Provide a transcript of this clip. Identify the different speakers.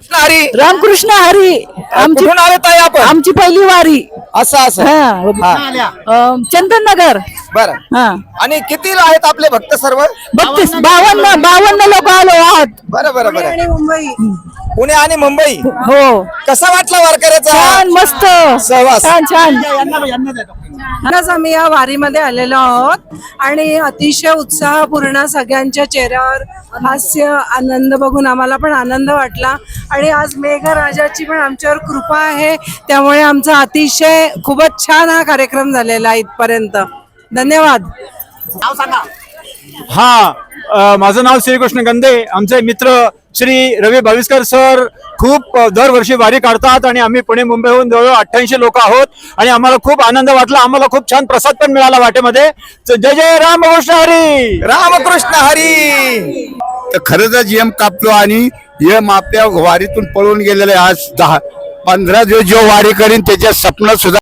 Speaker 1: हरी
Speaker 2: रामकृष्ण हरी. आमची
Speaker 1: कुठून आले ताई आपण?
Speaker 2: आमची पहिली वारी.
Speaker 1: असं असं
Speaker 2: चंदन नगर.
Speaker 1: बरं.
Speaker 2: हा
Speaker 1: आणि किती आहेत आपले भक्त सर्व?
Speaker 2: 52 लोक आलो आहात.
Speaker 1: बरं बरं बरं.
Speaker 2: मुंबई.
Speaker 1: पुणे आणि मुंबई.
Speaker 2: हो
Speaker 1: कसा वाटला वारकऱ्याचा
Speaker 2: छान मस्त
Speaker 1: सहवास?
Speaker 2: छान छान. आज आम्ही या वारीमध्ये आलेलो आहोत आणि अतिशय उत्साहपूर्ण सगळ्यांच्या चेहऱ्यावर हास्य आनंद बघून आम्हाला पण आनंद वाटला. आणि आज मेघराजाची पण आमच्यावर कृपा आहे, त्यामुळे आमचा अतिशय खूपच छान हा कार्यक्रम झालेला आहे इथपर्यंत. धन्यवाद.
Speaker 3: हा माझं नाव श्रीकृष्ण गंदे. आमचे मित्र श्री रवी भाविस्कर सर खूप दरवर्षी वारी काढतात आणि आम्ही पुणे मुंबईहून जवळ 88 लोक आहोत आणि आम्हाला खूप आनंद वाटला. आम्हाला खूप छान प्रसाद पण मिळाला वाटेमध्ये. जय जय रामकृष्ण हरी.
Speaker 1: रामकृष्ण हरी.
Speaker 4: तर खरं तर जीएम कापलो आणि एम आपल्या वारीतून पळून गेलेले आज 10-15 दिवस जो वारी करीन त्याच्या स्वप्न सुद्धा